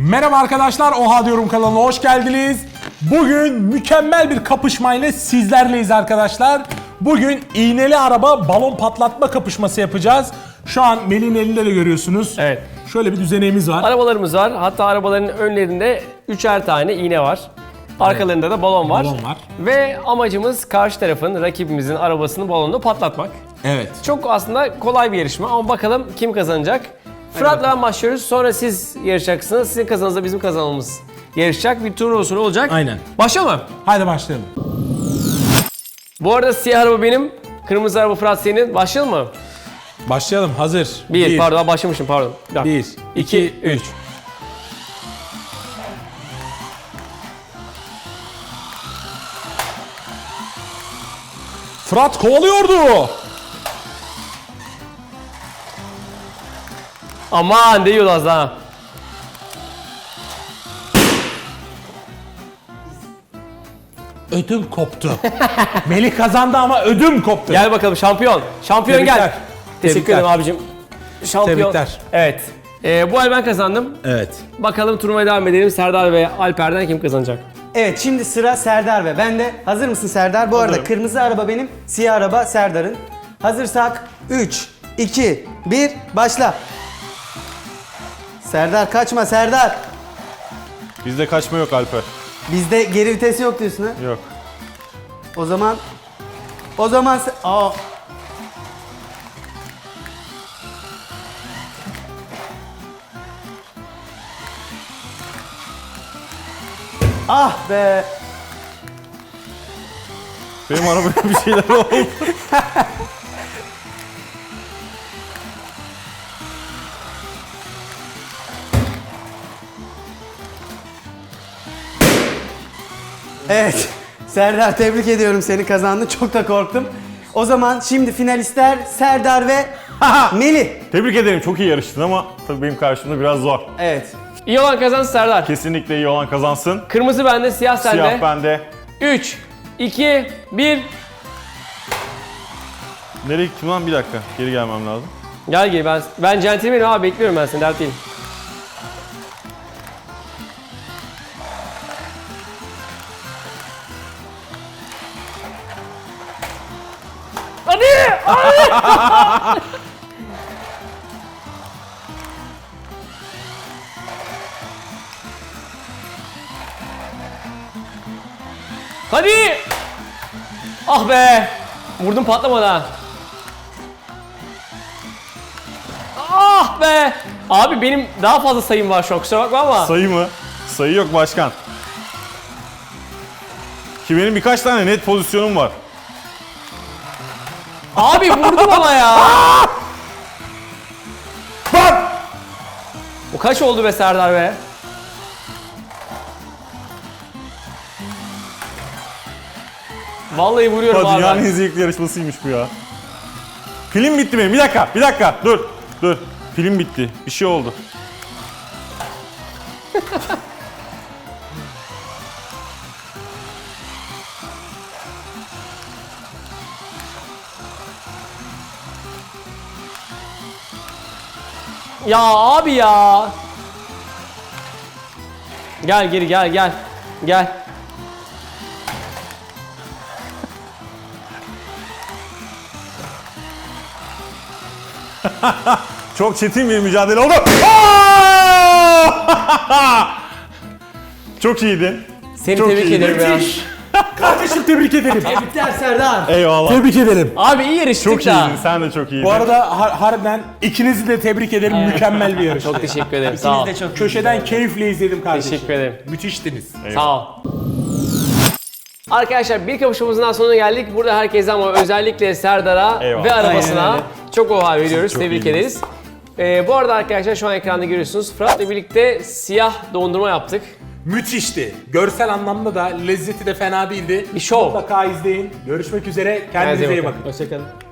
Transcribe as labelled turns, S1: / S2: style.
S1: Merhaba arkadaşlar, Oha Diyorum kanalına hoş geldiniz. Bugün mükemmel bir kapışmayla sizlerleyiz arkadaşlar. Bugün iğneli araba balon patlatma kapışması yapacağız. Şu an Melih'in elinde de görüyorsunuz.
S2: Evet.
S1: Şöyle bir düzeneğimiz var.
S2: Arabalarımız var. Hatta arabaların önlerinde 3'er tane iğne var. Arkalarında da balon var.
S1: Balon var.
S2: Ve amacımız karşı tarafın, rakibimizin arabasını balonla patlatmak.
S1: Evet.
S2: Çok aslında kolay bir yarışma ama bakalım kim kazanacak? Fırat'la ben başlıyoruz. Sonra siz yarışacaksınız. Sizin kazanınızla bizim kazanmamız yarışacak. Bir tur usulü olacak.
S1: Aynen.
S2: Başlayalım mı?
S1: Haydi başlayalım.
S2: Bu arada siyah araba benim, kırmızı araba Fırat senin. Başlayalım mı?
S1: Başlayalım, hazır.
S2: Pardon başlamışım pardon.
S1: 1, 2, 3. Fırat kovalıyordu.
S2: Aman değiyordu az daha.
S1: Ödüm koptu. Melih kazandı ama ödüm koptu.
S2: Gel bakalım şampiyon. Şampiyon
S1: Tebrikler.
S2: gel. Teşekkür
S1: Tebrikler.
S2: ederim abicim. Şampiyon.
S1: Tebrikler.
S2: Evet. Bu ay ben kazandım.
S1: Evet.
S2: Bakalım turnuvaya devam edelim. Serdar ve Alper'den kim kazanacak?
S3: Evet, şimdi sıra Serdar ve bende. Hazır mısın Serdar? Bu arada kırmızı araba benim, siyah araba Serdar'ın. Hazırsak 3, 2, 1, başla. Serdar kaçma Serdar.
S4: Bizde kaçma yok Alper.
S3: Bizde geri vitesi yok diyorsun ha?
S4: Yok.
S3: O zaman Aa. Ah be.
S4: Benim arabaya bir şeyler oldu.
S3: Evet. Serdar tebrik ediyorum, seni kazandın. Çok da korktum. O zaman şimdi finalistler Serdar ve Melih.
S4: Tebrik ederim, çok iyi yarıştın ama tabii benim karşımda biraz zor.
S3: Evet.
S2: İyi olan kazansın Serdar.
S4: Kesinlikle iyi olan kazansın.
S2: Kırmızı bende, siyah sende.
S4: Siyah bende.
S2: 3, 2, 1.
S4: Nereye gittim lan? Bir dakika. Geri gelmem lazım.
S2: Gel gel ben centilmenim abi, bekliyorum ben seni, dert değil. Hadi! Hadi! Hadi! Ah be! Vurdum patlamadı ha. Ah be! Abi benim daha fazla sayım var şu an, kusura bakma ama.
S4: Sayı mı? Sayı yok başkan. Ki benim birkaç tane net pozisyonum var.
S2: Abi vurdum ama ya. Bu kaç oldu be Serdar be? Vallahi vuruyorum abi.
S4: Dünyanın en zevkli yarışmasıymış bu ya. Pilim bitti benim. Bir dakika. Dur. Pilim bitti. Bir şey oldu.
S2: Ya abi ya. Gel geri gel. Gel.
S4: Çok çetin bir mücadele oldu. Çok iyiydin.
S2: Seni
S4: Çok
S2: tebrik
S4: iyi.
S2: ederim ya.
S1: Kardeşim tebrik ederim.
S3: Tebrikler Serdar.
S4: Eyvallah.
S1: Tebrik ederim.
S2: Abi iyi yarıştık
S4: Çok
S2: da.
S4: iyiydin. Sen de çok iyiydin.
S1: Bu arada harbiden ikinizi de tebrik ederim. Mükemmel bir yarış.
S2: Çok teşekkür ederim. Sağ ol.
S3: İkiniz de çok
S1: Köşeden keyifle izledim kardeşim.
S2: Teşekkür ederim.
S1: Müthiştiniz.
S2: Sağ ol. Arkadaşlar bir kapışmamızın daha sonuna geldik. Burada herkese ama özellikle Serdar'a
S4: Eyvallah.
S2: ve arabasına
S3: Aynen öyle.
S2: çok oha veriyoruz.
S4: Çok
S2: Tebrik
S4: iyiydiniz.
S2: ederiz. Bu arada arkadaşlar şu an ekranda görüyorsunuz. Fırat'la birlikte siyah dondurma yaptık.
S1: Müthişti. Görsel anlamda da lezzeti de fena değildi.
S2: Bir şov.
S1: Mutlaka izleyin. Görüşmek üzere. Kendinize iyi bakın.
S2: Hoşçakalın.